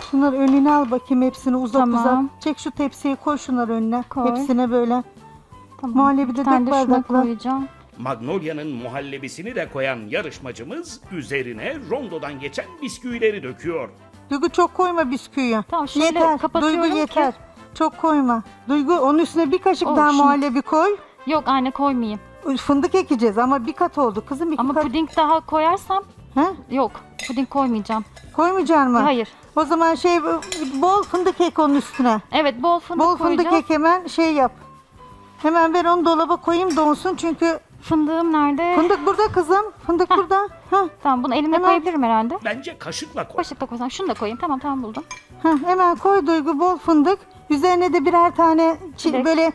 Şunları önüne al bakayım, hepsini uzat Tamam. uzat. Çek şu tepsiyi, koy şunları önüne. Koy. Hepsine böyle. Tamam. Muhallebi de Bir tane dök de şuna bardakla. koyacağım. Magnolia'nın muhallebisini de koyan yarışmacımız üzerine rondodan geçen bisküvileri döküyor. Duygu çok koyma bisküviyi. Tamam, şöyle yeter. kapatıyorum Duygu ki- yeter. Çok koyma. Duygu onun üstüne bir kaşık daha Şunu- muhallebi koy. Yok anne, koymayayım. Fındık ekeceğiz ama bir kat oldu kızım, iki Ama kat. puding daha koyarsam He? yok. Puding koymayacağım. Koymayacaksın mı? Hayır. O zaman bol fındık ek onun üstüne. Evet, bol fındık Bol fındık koyacağım. ek, hemen yap. Hemen ben onu dolaba koyayım donsun çünkü Fındığım nerede? fındık burada kızım. Fındık burada. Heh. Tamam, bunu elimle Hemen- koyabilirim herhalde. Bence kaşıkla koy. Kaşıkla koysam. Şunu da koyayım. Tamam buldum. Hemen koy Duygu, bol fındık. Üzerine de birer tane Çilek. böyle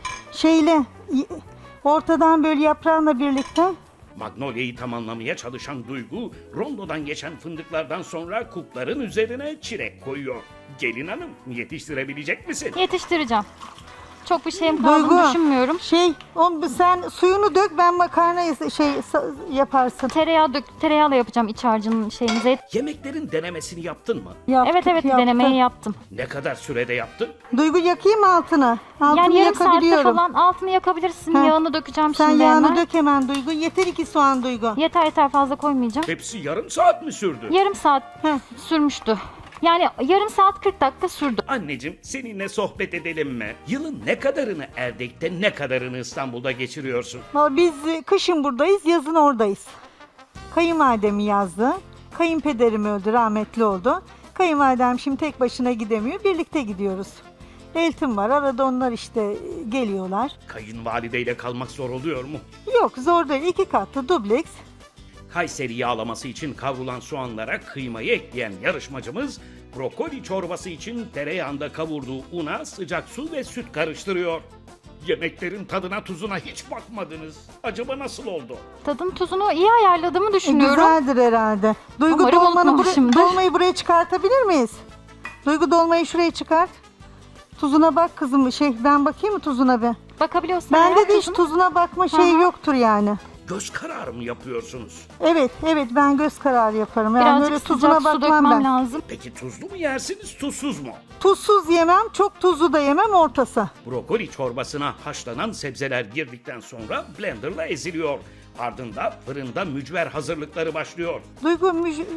ortadan böyle yaprağınla birlikte. Magnolia'yı tamamlamaya çalışan Duygu, rondodan geçen fındıklardan sonra kupların üzerine çilek koyuyor. Gelin hanım, yetiştirebilecek misin? Yetiştireceğim. Çok bir şeyim kaldığını Duygu, düşünmüyorum. sen suyunu dök, ben makarnayı yaparsın. Tereyağıyla yapacağım iç harcının şeyini. Yemeklerin denemesini yaptın mı? Evet denemeyi yaptım. Ne kadar sürede yaptın? Duygu, yakayım mı altını? Altını Yani yarım saatte yakabiliyorum. falan altını yakabilirsin. Ha. Yağını dökeceğim Sen şimdi yağını hemen. dök hemen Duygu. Yeter 2 soğan Duygu. Yeter fazla koymayacağım. Hepsi yarım saat mi sürdü? Yarım saat Heh. sürmüştü. Yani yarım saat 40 dakika sürdü. Anneciğim, seninle sohbet edelim mi? Yılın ne kadarını Erdek'te, ne kadarını İstanbul'da geçiriyorsun? Vallahi biz kışın buradayız, yazın oradayız. Kayınvalidemi yazdı. Kayınpederim öldü, rahmetli oldu. Kayınvalidem şimdi tek başına gidemiyor. Birlikte gidiyoruz. Eltim var. Arada onlar işte geliyorlar. Kayınvalideyle kalmak zor oluyor mu? Yok, zor değil. 2 katlı dubleks. Kayseri yağlaması için kavrulan soğanlara kıymayı ekleyen yarışmacımız, brokoli çorbası için tereyağında kavurduğu una sıcak su ve süt karıştırıyor. Yemeklerin tadına tuzuna hiç bakmadınız. Acaba nasıl oldu? Tadın tuzunu iyi ayarladığımı düşünüyorum. Güzeldir herhalde. Duygu, Umarım unutmamışımdır. dolmayı buraya çıkartabilir miyiz? Duygu, dolmayı şuraya çıkart. Tuzuna bak kızım. Ben bakayım mı tuzuna be? Bakabiliyorsun. Bende eğer de hiç tuzunu. tuzuna bakma şeyi Hı. yoktur yani. Göz kararı mı yapıyorsunuz? Evet ben göz kararı yaparım. Yani Birazcık böyle sıcak tuzuna su bakmam dökmem ben. lazım. Peki tuzlu mu yersiniz, tuzsuz mu? Tuzsuz yemem, çok tuzlu da yemem, ortası. Brokoli çorbasına haşlanan sebzeler girdikten sonra blenderla eziliyor. Ardından fırında mücver hazırlıkları başlıyor. Duygu,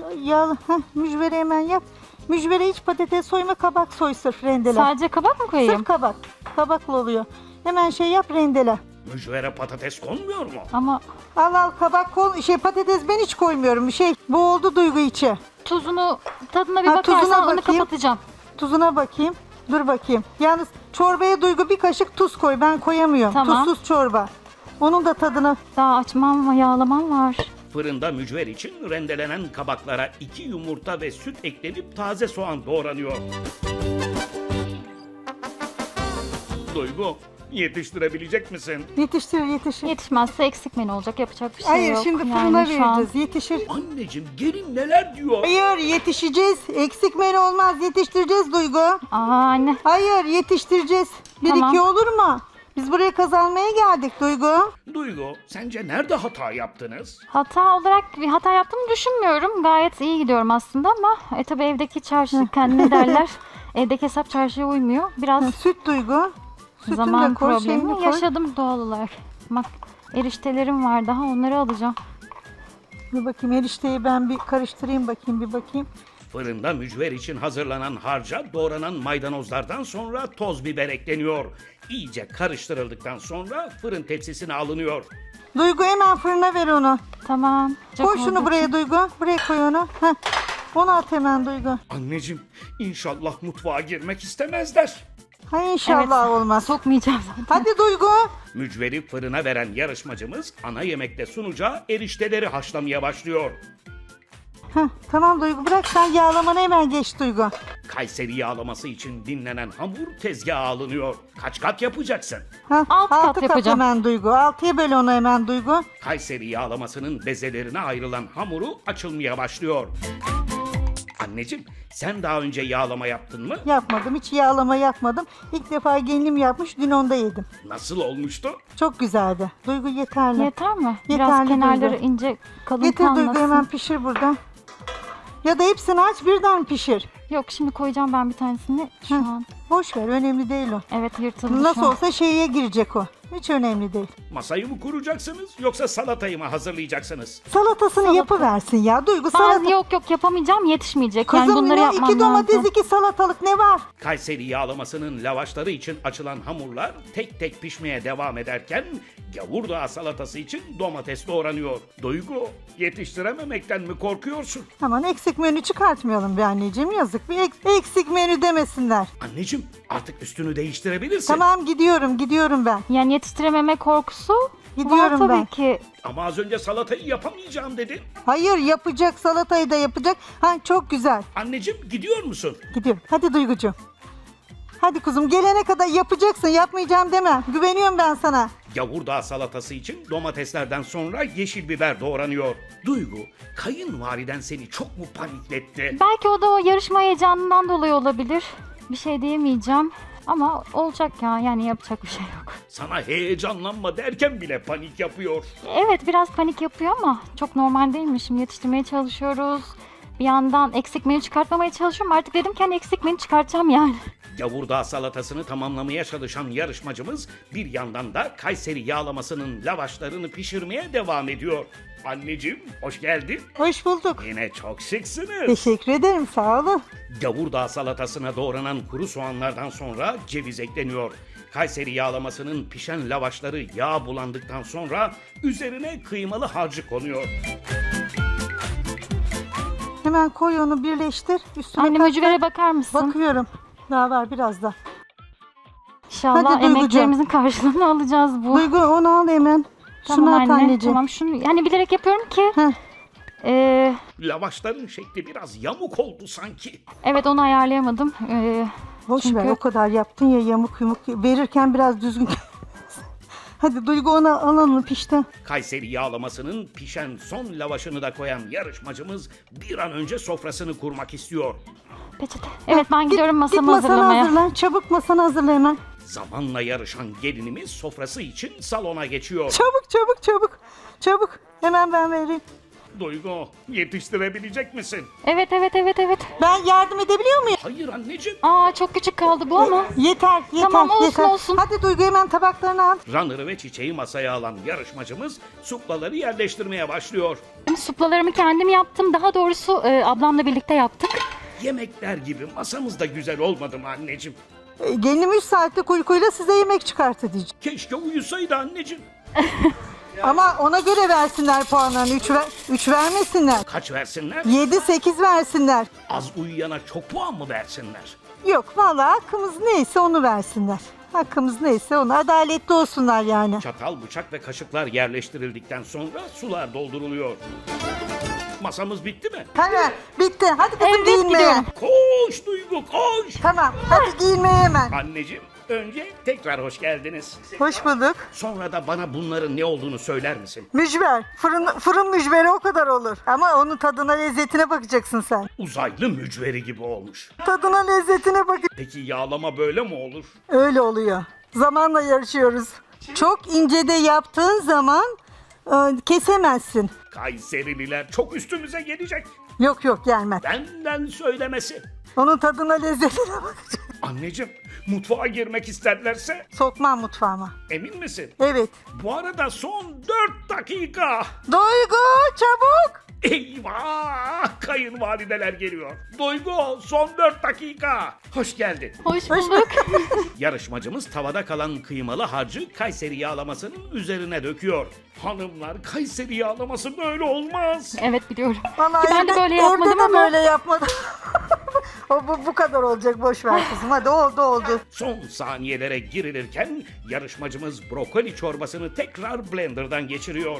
mücveri hemen yap. Mücvere hiç patates soyma, kabak soy, sırf rendele. Sadece kabak mı koyayım? Sırf kabak. Kabaklı oluyor. Hemen yap, rendele. Mücvere patates konmuyor mu? Ama Al kabak patates ben hiç koymuyorum. Bu oldu Duygu içi. tuzunu, tadına bir Ha, bakarsan tuzuna onu bakayım. kapatacağım. Tuzuna bakayım. Dur bakayım. Yalnız çorbaya Duygu bir kaşık tuz koy. Ben koyamıyorum. Tamam. Tuzsuz çorba. Onun da tadını. Daha açmam, yağlamam var. Fırında mücver için rendelenen kabaklara 2 yumurta ve süt eklenip taze soğan doğranıyor. Duygu, yetiştirebilecek misin? Yetiştir. Yetişmezse eksik menü olacak. Yapacak bir şey Hayır, yok. şimdi Yani fırına şu an- vereceğiz. Yetişir. Anneciğim, gelin neler diyor? Hayır, yetişeceğiz. Eksik menü olmaz. Yetiştireceğiz Duygu. Aa anne. Hayır, yetiştireceğiz. Bir Tamam. iki olur mu? Biz buraya kazanmaya geldik Duygu. Duygu, sence nerede hata yaptınız? Hata olarak bir hata yaptığımı düşünmüyorum. Gayet iyi gidiyorum aslında ama tabii evdeki çarşı kendine derler. Evdeki hesap çarşıya uymuyor. Biraz Süt Duygu. Sütünü zaman de koy, şeyini problemi koy. yaşadım doğal olarak. Bak, eriştelerim var daha, onları alacağım. Dur bakayım, erişteyi ben bir karıştırayım bir bakayım. Fırında mücver için hazırlanan harca doğranan maydanozlardan sonra toz biber ekleniyor. İyice karıştırıldıktan sonra fırın tepsisine alınıyor. Duygu, hemen fırına ver onu. Tamam. Koy şunu buraya Duygu. Buraya koy onu. Heh. Onu at hemen Duygu. Anneciğim, inşallah mutfağa girmek istemezler. Hay inşallah olmaz. Sokmayacağım zaten. Hadi Duygu. Mücveri fırına veren yarışmacımız ana yemekte sunacağı erişteleri haşlamaya başlıyor. Heh, tamam Duygu, bırak sen yağlamanı, hemen geç Duygu. Kayseri yağlaması için dinlenen hamur tezgaha alınıyor. Kaç kat yapacaksın? Heh, Alt kat altı kat yapacağım. hemen Duygu. 6'ya böl onu hemen Duygu. Kayseri yağlamasının bezelerine ayrılan hamuru açılmaya başlıyor. Anneciğim, sen daha önce yağlama yaptın mı? Yapmadım, hiç yağlama yapmadım. İlk defa gelinim yapmış, dün onda yedim. Nasıl olmuştu? Çok güzeldi. Duygu, yeterli. Yeter mi? Biraz Yeterli kenarları Duygu. ince kalın Getir Duygu, kalmasın. hemen pişir burada. Ya da hepsini aç birden pişir. Yok, şimdi koyacağım ben bir tanesini şu Heh. an. Boş ver, önemli değil o. Evet, yırtıldı Nasıl şu an. olsa şeye girecek o. Hiç önemli değil. Masayı mı kuracaksınız yoksa salatayı mı hazırlayacaksınız? Salatasını Salata. yapıversin ya. Duygu Ben salata. yok yapamayacağım, yetişmeyecek. Kızım Yani bunları ne? yapmam 2 domates, lazım. 2 salatalık ne var? Kayseri yağlamasının lavaşları için açılan hamurlar tek tek pişmeye devam ederken gavurdağ salatası için domates doğranıyor. Duygu, yetiştirememekten mi korkuyorsun? Aman eksik menü çıkartmayalım be anneciğim, yazık. Bir eksik menü demesinler. Anneciğim, artık üstünü değiştirebilirsin. Tamam, gidiyorum ben. Yani yetiştirememe korkusu Gidiyorum var tabii ben. ki. Ama az önce salatayı yapamayacağım dedin. Hayır, yapacak, salatayı da yapacak. Ha, çok güzel. Anneciğim, gidiyor musun? Gidiyorum. Hadi Duygucuğum. Hadi kuzum, gelene kadar yapacaksın. Yapmayacağım deme. Güveniyorum ben sana. Gavurdağ salatası için domateslerden sonra yeşil biber doğranıyor. Duygu, kayınvaliden seni çok mu panikletti? Belki o da o yarışma heyecanından dolayı olabilir. Bir şey diyemeyeceğim. Ama olacak ya, yani yapacak bir şey yok. Sana heyecanlanma derken bile panik yapıyor. Evet, biraz panik yapıyor ama çok normal değil mi? Şimdi yetiştirmeye çalışıyoruz. Bir yandan eksik menü çıkartmamaya çalışıyorum. Artık dedim ki hani eksik menü çıkartacağım yani. Gavurdağ salatasını tamamlamaya çalışan yarışmacımız bir yandan da Kayseri yağlamasının lavaşlarını pişirmeye devam ediyor. Anneciğim, hoş geldin. Hoş bulduk. Yine çok şıksınız. Teşekkür ederim, sağ olun. Gavurdağ salatasına doğranan kuru soğanlardan sonra ceviz ekleniyor. Kayseri yağlamasının pişen lavaşları yağ bulandıktan sonra üzerine kıymalı harcı konuyor. Hemen koy onu, birleştir. Üstüne Anne, kat mücvere kat. bakar mısın? Bakıyorum. Daha var biraz da. İnşallah Hadi Duygucuğum. emeklerimizin karşılığını alacağız bu. Duygu, onu al hemen. Tamam Şunu at anne, anneciğim. tamam şunu yani bilerek yapıyorum ki. Heh. Lavaşların şekli biraz yamuk oldu sanki. Evet, onu ayarlayamadım. Boş Çünkü- ver, o kadar yaptın ya, yamuk yumuk. Verirken biraz düzgün. Hadi Duygu, onu alalım pişti. Kayseri yağlamasının pişen son lavaşını da koyan yarışmacımız bir an önce sofrasını kurmak istiyor. Peçete. Evet, ben gidiyorum Git masamı masanı hazırlamaya. hazırla. Çabuk masanı hazırla hemen. Zamanla yarışan gelinimiz sofrası için salona geçiyor. Çabuk. Hemen ben vereyim. Duygu, yetiştirebilecek misin? Evet. Ben yardım edebiliyor muyum? Hayır anneciğim. Aa, çok küçük kaldı bu ama. Yeter. Tamam, olsun, yeter. olsun. Hadi Duygu, hemen tabaklarını al. Runner'ı ve çiçeği masaya alan yarışmacımız suplaları yerleştirmeye başlıyor. Suplalarımı kendim yaptım. Daha doğrusu ablamla birlikte yaptık. Yemekler gibi masamız da güzel olmadı mı anneciğim? Gelinim 3 saatlik uykuyla size yemek çıkarttı diyeceğim. Keşke uyusaydı anneciğim. Ama ona göre versinler puanlarını. 3 vermesinler. Kaç versinler? 7-8 versinler. Az uyuyana çok puan mı versinler? Yok, vallahi hakkımız neyse onu versinler. Hakkımız neyse onu, adaletli olsunlar yani. Çatal, bıçak ve kaşıklar yerleştirildikten sonra sular dolduruluyor. Masamız bitti mi? Hemen bitti. Hadi kızım, Evet, giyinmeye. gidiyorum. Koş Duygu koş! Tamam, hadi giyinmeye hemen. Anneciğim, önce tekrar hoş geldiniz. Hoş bulduk. Sonra da bana bunların ne olduğunu söyler misin? Mücver. Fırın mücveri o kadar olur. Ama onun tadına, lezzetine bakacaksın sen. Uzaylı mücveri gibi olmuş. Tadına, lezzetine bak. Peki yağlama böyle mi olur? Öyle oluyor. Zamanla yarışıyoruz. Çok ince de yaptığın zaman kesemezsin. Kayserililer çok üstümüze gelecek. Yok, gelmez. Benden söylemesi. Onun tadına, lezzetine bakacaksın. Anneciğim, mutfağa girmek isterlerse Sokmam mutfağıma. emin misin? Evet. Bu arada son 4 dakika. Duygu, çabuk. Eyvah! Kayınvalideler geliyor. Duygu, son 4 dakika. Hoş geldin. Hoş bulduk. Yarışmacımız tavada kalan kıymalı harcı Kayseri yağlamasının üzerine döküyor. Hanımlar, Kayseri yağlaması böyle olmaz. Evet, biliyorum. Vallahi Ben de böyle yapmadım evde de ama. böyle yapmadım. bu kadar olacak, boş ver kızım. Hadi oldu. Son saniyelere girilirken yarışmacımız brokoli çorbasını tekrar blenderdan geçiriyor.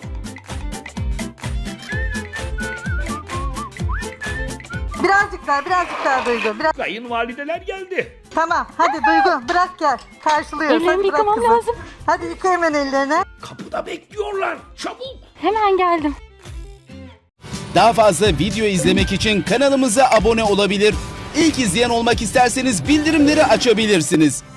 Birazcık daha Duygu. Kayınvalideler geldi. Tamam, hadi Duygu, bırak gel. Karşılıyoruz. Ellerimi Hadi bırak yıkamam kızım. lazım. Hadi yıka hemen ellerini. Kapıda bekliyorlar. Çabuk. Hemen geldim. Daha fazla video izlemek için kanalımıza abone olabilir. İlk izleyen olmak isterseniz bildirimleri açabilirsiniz.